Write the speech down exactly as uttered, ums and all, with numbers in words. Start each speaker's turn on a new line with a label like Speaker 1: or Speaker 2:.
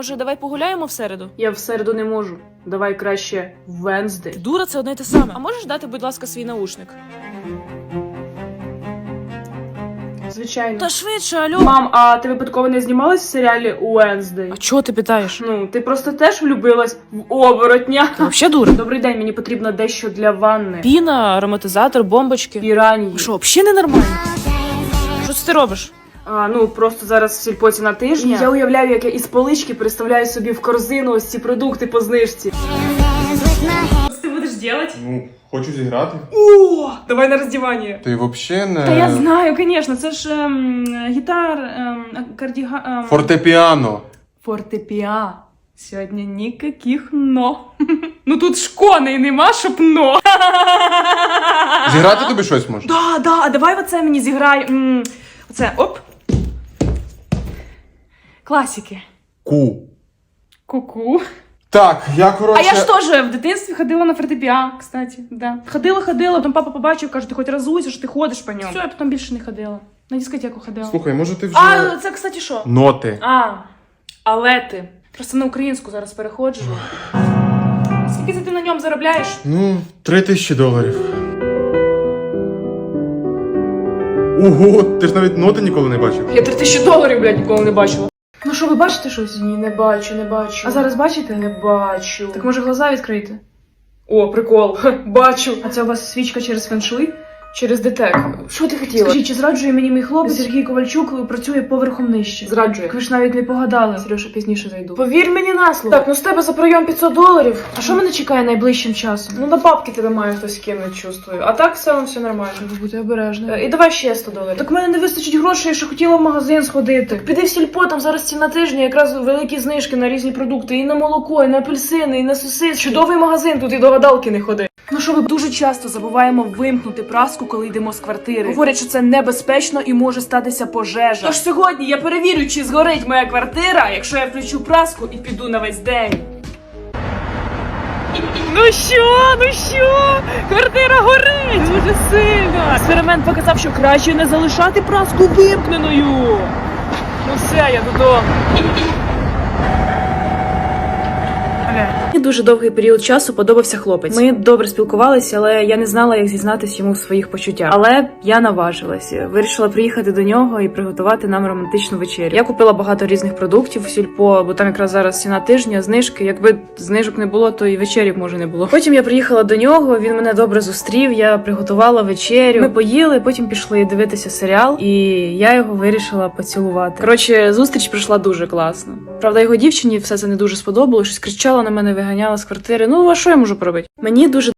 Speaker 1: Може, давай погуляємо в середу?
Speaker 2: Я в середу не можу. Давай краще Венздей.
Speaker 1: Дура, це одне й те саме. А можеш дати, будь ласка, свій наушник?
Speaker 2: Звичайно.
Speaker 1: Та швидше, алло.
Speaker 2: Мам, а ти випадково не знімалась в серіалі Венздей?
Speaker 1: А чого ти питаєш?
Speaker 2: Ну, ти просто теж влюбилась в оборотня.
Speaker 1: Ти взагалі дура?
Speaker 2: Добрий день, мені потрібно дещо для ванни.
Speaker 1: Піна, ароматизатор, бомбочки.
Speaker 2: Піранії.
Speaker 1: Що, взагалі ненормально? Що це ти робиш?
Speaker 2: А, ну, просто зараз в сільпоці на тижні. Я уявляю, як я із полички представляю собі в корзину ось ці продукти по знижці. Що ти будеш робити?
Speaker 3: Ну, хочу зіграти.
Speaker 2: О, давай на роздівання.
Speaker 3: Ти взагалі не...
Speaker 2: Та я знаю, звісно, це ж ем, гітар, ем, кардіга... Ем...
Speaker 3: Фортепіано.
Speaker 2: Фортепіа. Сьогодні ніяких но. Ну тут ж коней нема, щоб но.
Speaker 3: Зіграти тобі щось може?
Speaker 2: Да, да, а давай оце мені зіграй. М, Оце, оп. Класики.
Speaker 3: Ку.
Speaker 2: Ку-ку.
Speaker 3: Так, я,
Speaker 2: А
Speaker 3: коротше...
Speaker 2: я ж теж в дитинстві ходила на фортепіа, кстати, да. Ходила, ходила, потім папа побачив, каже, ти хоч разуйся, що ти ходиш по ньому. Все, я потім більше не ходила. На дискотеку ходила.
Speaker 3: Слухай, може ти вже...
Speaker 2: А, це, кстати, що?
Speaker 3: Ноти.
Speaker 2: А, але ти. Просто на українську зараз переходжу. Скільки це ти на ньому заробляєш?
Speaker 3: Ну, три тисячі доларів. Ого, ти ж навіть ноти ніколи не бачив.
Speaker 2: Я три тисячі доларів, блядь, ніколи не бачила. Ну що, ви бачите щось? Ні, не бачу, не бачу. А зараз бачите? Не бачу. Так може глаза відкрити? О, прикол. Ха, бачу. А це у вас свічка через феншуй? Через детек. Що ти хотіла? Скажіть, чи зраджує мені мій хлопець? Сергій Ковальчук працює поверхом нижче. Зраджує. Так ви ж навіть не погадали. Сережа, пізніше зайду. Повір мені на слово. Так, ну з тебе за прийом п'ятсот доларів. А що мене чекає найближчим часом? Ну на бабки тебе має хтось кинути, чувствую. А так все, все нормально. Треба бути обережним. І давай ще сто доларів. Так в мене не вистачить грошей, я ще хотіла в магазин сходити. Так піди в сільпо, там зараз ціна тижня, якраз великі знижки на різні продукти. І на молоко, і на апельсини, і на сосиски. Чудовий магазин, тут і до гадалки не ходи. Ну що, ми дуже часто забуваємо вимкнути праску, коли йдемо з квартири. Говорять, що це небезпечно і може статися пожежа. Тож сьогодні я перевірю, чи згорить моя квартира, якщо я включу праску і піду на весь день. Ну що, ну що? Квартира горить дуже сильно. Експеримент показав, що краще не залишати праску вимкненою. Ну все, я додому. Мені дуже довгий період часу подобався хлопець. Ми добре спілкувалися, але я не знала, як зізнатись йому в своїх почуттях. Але я наважилася. Вирішила приїхати до нього і приготувати нам романтичну вечерю. Я купила багато різних продуктів в сільпо, бо там якраз зараз ціна тижня, знижки. Якби знижок не було, то і вечері б може не було. Потім я приїхала до нього, він мене добре зустрів, я приготувала вечерю. Ми поїли, потім пішли дивитися серіал, і я його вирішила поцілувати. Коротше, зустріч пройшла дуже класно. Правда, його дівчині все це не дуже сподобалося, щось кричала на мене, виганяла з квартири. Ну, а що я можу поробити? Мені дуже